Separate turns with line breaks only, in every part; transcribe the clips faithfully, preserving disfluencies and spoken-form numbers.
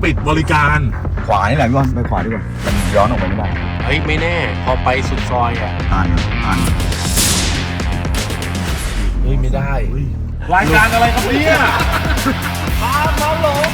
ปิดบริการ
ขวานี่แหละพี่บอลไปขวาดีกว่ามันย้อนออกไปไม่ได้
เฮ้ยไม่แน่พอไปสุดซอยอ่ะ
ตันตัน
เฮ้ยไม่ได้
รายการอะไรครับเนี่ยตามมาหลง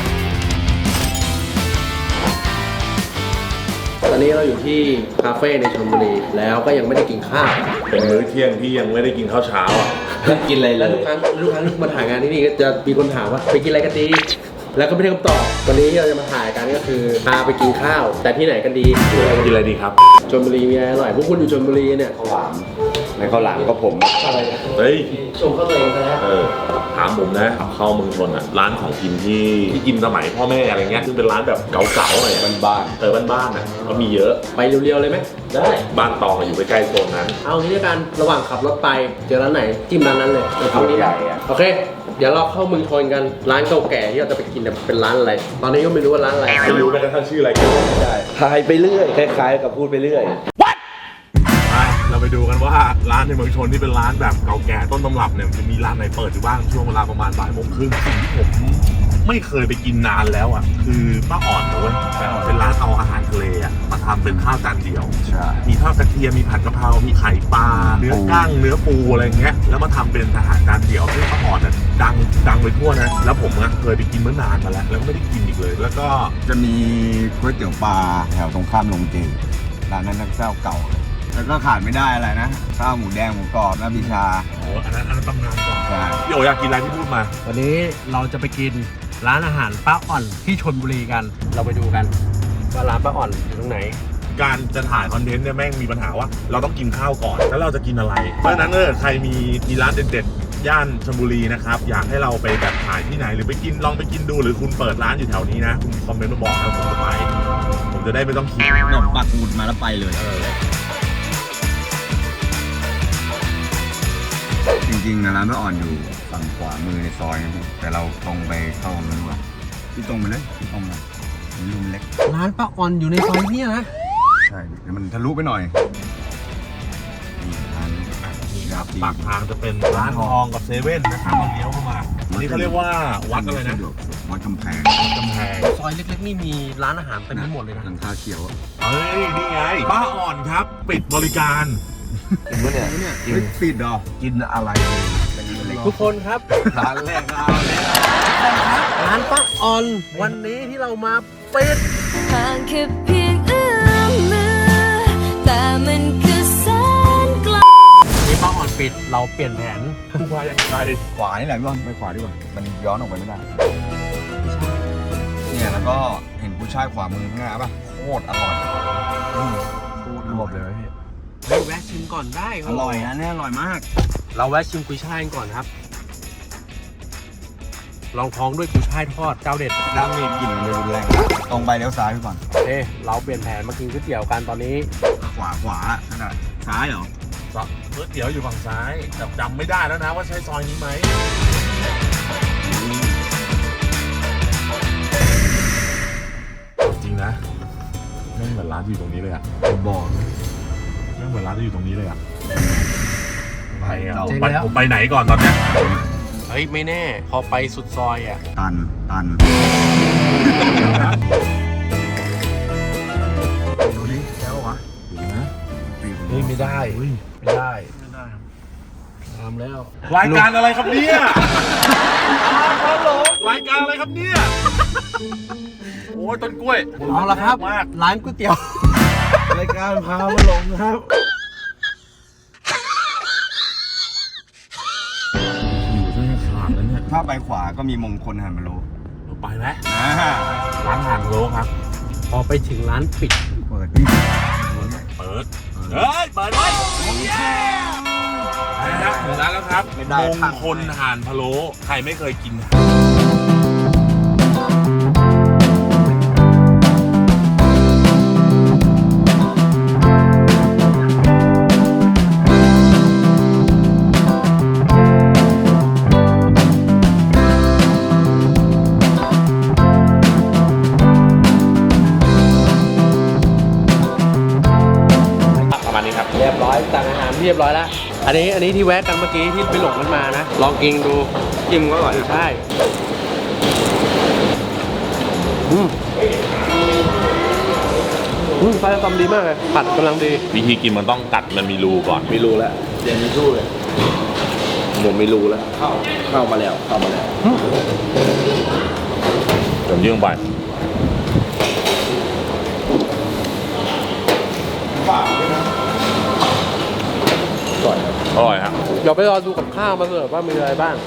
ตอนนี้เราอยู่ที่คาเฟ่ในชลบุรีแล้วก็ยังไม่ได้กินข้าว
เป็นมื้อเที่ยงที่ยังไม่ได้กินข้าวเช้าอ่ะ
กินอะไรเลยทุกครั้งทุกครั้งที่มาถ่ายงานที่นี่ก็จะมีคนถามว่าไปกินอะไรกันดีแล้วก็ไม่ได้คำตอบวันนี้เราจะมาถ่ายกันก็คือพาไปกินข้าวแต่ที่ไหนกันดี
กินอะไรดีครับ
ชลบุรีมีอะไรอร่อยพวกคุณอยู่ชลบุรีเนี่ย
ข้าวหลามในข้าวหลามก็ผม
อะไรนะ
เฮ้ย
ชมข้าวตัวเองนะ
เออถามผมนะเข้าเมืองชนอ่ะร้านของกินที่ที่กินสมัยพ่อแม่อะไรเงี้ยซึ่งเป็นร้านแบบเก่าๆหน่อย
บ้าน
ๆเออบ้านๆอ่ะก็มีเยอะ
ไปเรียวๆเลยไหม
ได้บ้านตองอยู่ใกล้ๆโซนนั้น
เอางี้ด้วยกันระหว่างขับรถไปเจอร้านไหนจิ้มร้านนั้นเลย
เอานี้ใหญ่
โอเคเดี๋ยวเราเข้าเมืองชนกันร้านเก่าแก่ที่เราจะไปกินเป็นร้านอะไรตอนนี้ก็ไม่รู้ว่าร้านอะไร
ไม่รู้แม้กระทั่งชื่ออะไรกัน
ไม่ได้
ทายไปเรื่อยคล้ายๆกับพูดไปเรื่อย
What ไปเราไปดูกันว่าร้านในเมืองชนที่เป็นร้านแบบเก่าแก่ต้นตำรับเนี่ยจะมีร้านไหนเปิดอยู่บ้างช่วงเวลาประมาณบ่ายโมงครึ่งสิ่งที่ผมไม่เคยไปกินนานแล้วอ่ะคือป้าอ่อนเลยเป็นร้านเอาอาหารทะเลอ่ะมาทำเป็นข้าวจานเดียวมีทอดกระเทียมมีผัดกะเพรามีไข่ปลาเนื้อกั้งเนื้อปูอะไรเงี้ยแล้วมาทำเป็นอาหารจานเดียวที่ป้าอ่อนเนี่ยดังดังไปทั่วนะแล้วผมอ่ะเคยไปกินเมื่อนานมาแล้วแล้วไม่ได้กินอีกเลยแล้วก็
จะมีก๋วยเตี๋ยวปลาแถวตรงข้ามโรงเจร้านนั้นนักเจ้าเก่าแล้วก็ขาดไม่ได้อะไรนะข้าวหมูแดงหมูกรอบน้ำบิชา
โอ้อันนั้นอันนั้นตำนานก่อน
ใช่
พี่โออยากกินอะไรที่พูดมา
วันนี้เราจะไปกินร้านอาหารป้าอ่อนที่ชลบุรีกันเราไปดูกันว่าร้านป้าอ่อนอยู่ตรงไหน
การจะถ่ายคอนเทนต์เนี่ยแม่งมีปัญหาว่าเราต้องกินข้าวก่อนแล้วเราจะกินอะไรเพราะฉะนั้นเออใครมีมีร้านเด็ดๆย่านชลบุรีนะครับอยากให้เราไปแบบถ่ายที่ไหนหรือไปกินลองไปกินดูหรือคุณเปิดร้านอยู่แถวนี้นะคุณคอมเมนต์มาบอกนะผมจะไปผมจะได้ไม่ต้องคิด
หนมปักหมุดมาแล้วไปเลยจริงๆนะร้านป้าอ่อนอยู่ฝั่งขวามือในซอยนะแต่เราตรงไปเข้าตรงนั้นว่ะที่ตรงไปเลยที่ตรงมาลุมเล็ก
ร้านป้าอ่อนอยู่ในซอยเนี่ยนะ
ใช่เดี๋ยวมันทะลุไปหน่อย
นี่ร้านนี่ครับปากทางจะเป็นร้านทองกับเซเว่นนะครับเราเลี้ยวเข้ามาอันนี้เขาเรียกว่าวัดอะไรนะ
วัดกำแพง
กำแพง
ซอยเล็กๆนี่มีร้านอาหารเต็มไปหมดเลยนะ
หลังคาเขียว
เฮ้ยนี่ไงป้าอ่อนครับปิดบริการ
กินวะเนี่ยเนี่ยปิดดอก
กินอะไร
ทุกคนครับ
ร้านแรกร้านแรก
ร้านป้าอ่อนวันนี้ที่เรามาปิด
ห่างแค่เพียงเอื้อมมือแต่มันคือแสนไกล
นี่ป้าอ่อนปิดเราเปลี่ยนแผน
ผู้ว่ายังไง
ขวานี่แหละพี่บอลไปขวาดีกว่ามันย้อนออกไปไม่ได้เนี่ยแล้วก็เห็นผู้ชายขวามือข้างหน้าป่ะโคตรอร่อย
โคตรระบบเลยพี่เฮ้ยแวะชิมก่อนได้
อร่อยนะเนี่ยอร่อยมาก
เราแวะชิมกุยช่ายก่อนครับลองท้องด้วยกุยช่ายทอดเจ้าเด็ด
น้ำมีกลิ่นเลยรุนแรงตรงไปเลี้ยวซ้ายไปก่อน
เอ๊เราเปลี่ยนแผนมากินก๋วยเตี๋ยวกันตอนนี้
ขวาขวาขนาดซ้ายเหรอ
ก๋วยเตี๋ยวอยู่ฝั่งซ้ายแต่จำไม่ได้แล้วนะว่าใช่ซอยนี้ไหมจริงนะไม่เหมือนร้านที่อยู่ตรงนี้เลยอ่ะ
ผมบอก
ไม่เหมือนร้านที่อยู่ตรงนี้เลยอ่ะไปอ่ะไปผมไปไหนก่อนตอนเนี้ย
เฮ้ยไม่แน่พอไปสุดซอยอ่ะ
ตันตัน
ดูดิแล้ววะดูนะ
เฮ้ยไม่ได้ไม่ได้ไม่ได้ทำแล้ว
รายการอะไรครับเนี่ยรายการอะไรครับเนี่ยโอ้ยต้นกล้วย
เอาละครับร้านก๋วยเตี๋ยว
รายการพามาหลงครับถ้าไปขวาก็มีมงคลหันมาโล
ไปไหมร้านหันโลครับ
พอไปถึงร้านปิด
เปิด
เปิดเฮ้ยเปิดไว้นะครับถึงร้านแล้วครับมงคลห่านพะโล้ใครไม่เคยกิน
เรียบร้อยสั่งอาหารเรียบร้อยแล้วอันนี้อันนี้ที่แวะกันเมื่อกี้ที่ไปหลงกันมานะลองกินดู
จิ้มก็อร่อย
ใช่ดอืมอืมไส้ตำดีมากเลยผัดกำลังดี
วิธีกินมันต้องกัดมันมีรูก่อน
มีรูแล้วเดี๋ยวมีรูเลยผมมีรูแล้วเข้าเข้ามาแล้วเข้ามาแล้ว
ผมยื่งไป
ก่อนครับ
อร่อยฮะ
เดี๋ยวไปรอดูกับข้าวมาเสิร์ฟว่ามีอะไรบ้าง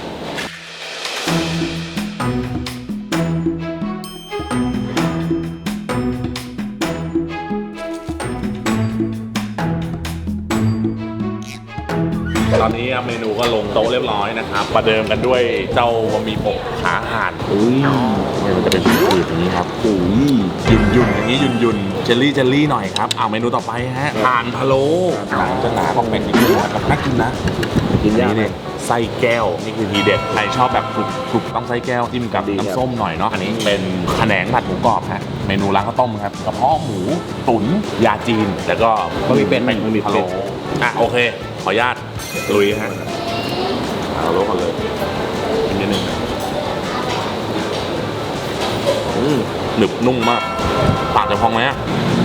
ตอนนี้เมนูก็ลงโต๊ะเรียบร้อยนะครับ ประเดิมกันด้วยเจ้าบะหมี่หมกขาห่านอุ้ยเนี่ยมันจะเป็นสูตรอย่างนี้ครับอุ้ยยุ่นยุ่นๆอย่างนี้ยุ่นยุ่นๆเจลลี่เจลลี่หน่อยครับเอาเมนูต่อไปฮะห่านพะโล้หนังจะหนาของเป็ดนิดนึงนะครับน่ากินนะ
กินยาก
นี่เนี่ยไส้แก้วนี่คือทีเด็ดใครชอบแบบกรุบกรุบต้องไส้แก้วจิ้มกับ
ดีครับ
น้ำส้มหน่อยเนาะอันนี้เป็นแขนงผัดหมูกรอบฮะเมนูร้านข้าวต้มครับกระเพาะหมูตุ๋นยาจีนแล้วก็
บะหมี่เป็ด
เป็น
บะหมี่
พะ
เป็
โล้
ด
อ่ะโอเคขออนุญาตลุยฮะเอาโล้ก่อนเลยกินนิดนึงอืมหนึบนุ่มมากปากจะพองไหมอ่ะ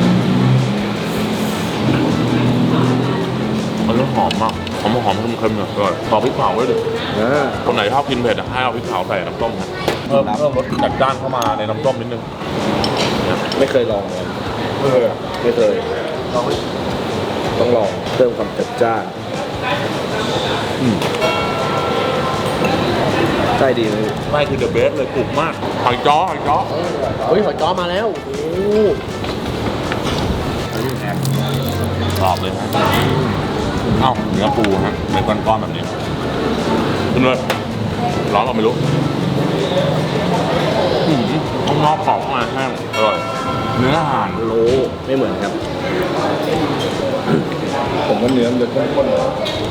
มันจะหอมมากหอมหอมๆเค็มๆเนี่ยอร่อยต่อพริกเผาด้วยดิ
อ่า
คนไหนชอบกินเผ็ดอะให้เอาพริกเผาใส่น้ำต้มครับเพิ่มเพิ่มรสจัดจ้านเข้ามาในน้ำต้มนิดนึง
ไม่เคยลองเลย
เออ
ไม่เคยต้องลองเพิ่มความจัดจ้านใช่ดีเลย
ไม่คือเดอะเบสเลยกรุบมากหอยจ้อหอยจ้อ
เฮ้ยหอยจ้อมาแล้วโอ้โห
กรอบเลยฮะเอ้าเนื้อปูฮะเป็นก้อนๆแบบนี้ขึ้นเลยร้อนก็ไม่รู้อืมข้างนอกกรอบข้างในแห้งอร่อยเนื้อห่าน
โลไม่เหมือนครับ ผมว่าเนื้อมันจะข้นๆ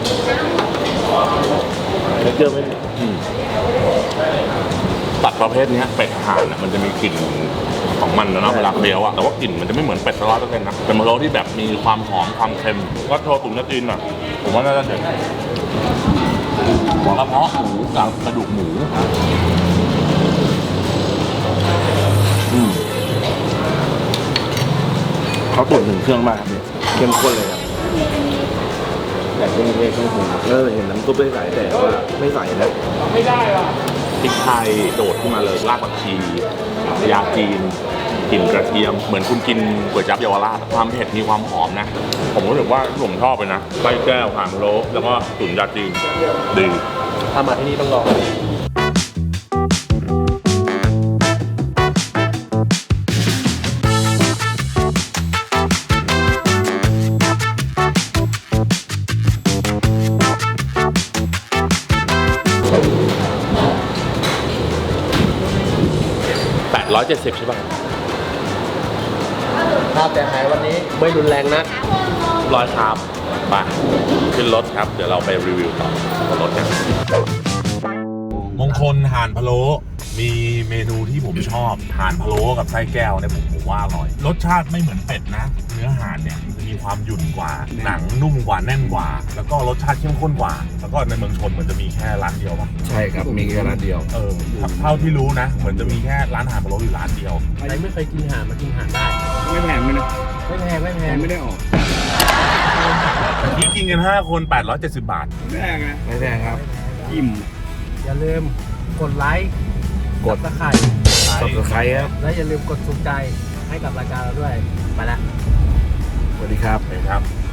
เนื้อเกลือไม่
อืมตัดประเภทเนี้ยเป็ดห่านอะมันจะมีกลิ่นของมันนะเนาะเวลาเคี้ยวอะแต่ว่ากลิ่นมันจะไม่เหมือนเป็ดร้อยเปอร์เซ็นต์นะเป็นมะโรที่แบบมีความหอมความเค็มก็โชว์ตุ๋นกระจีนอ่ะผมว่าน่าจะเด็ดหัวกระเพาะหมูกับกระดูกหมูอืม
เขาตุ๋นถึงเครื่องมากครับเนี่ยเข้มข้นเลยครับแต่เครื่องเทศเครื่องปรุงเออเห็นน้ำซุปไม่ใส่แต่ว่าไม่ใส่นะ
พริกไทยโดดขึ้นมาเลยรากผักชียาจีนกลิ่นกระเทียมเหมือนคุณกินก๋วยจั๊บเยาวราชความเผ็ดมีความหอมนะ ผมรู้สึกว่าผมชอบเลยนะไส้แก้วห่านพะโล้แล้วก็ตุ๋นยาจีนดี
ถ้ามาที่นี่ต้องลอง
แปดร้อยเจ็ดสิบใช่ป่ะ
ภาพแต่หายวันนี้ไม่รุนแรงนะ
ร้อยครับไปขึ้นรถครับ เดี๋ยวเราไปรีวิวต่อบนรถกันมงคลห่านพะโล้มีเมนูที่ผมชอบห่านพะโล้กับไส้แก้วเนี่ยผมผมว่าอร่อย รสชาติไม่เหมือนเป็ดนะ เนื้อห่านเนี่ยจะมีความหยุ่นกว่า หนังนุ่มกว่าแน่นกว่า แล้วก็รสชาติเข้มข้นกว่า แล้วก็ในเมืองชนเหมือนจะมีแค่ร้านเดียวป่ะ
ใช่ครับมีแค่ร้านเดียว
เออเท่าที่รู้นะ เหมือนจะมีแค่ร้านห่านพะโล้อยู่ร้านเดียว
ใครไม่เคยกินห่านมากินห่านได้
ไม่แพงเลยนะ
ไม่แพงไม่แพ
แพ
ง
งไม่ได้ออก
นี่กินกันห้าคนแปดร้อยเจ็ดสิบบาท
ไม่แพงนะ
ไม่แพงครับ
อิ่ม
อย่าลืมกดไลค์
กด
ตะไคร่
สับสไครต์ครับ
และอย่าลืมกดถูกใจให้กับรายการเราด้วย ไปละ
สวัสดีครับ
เห็นครับ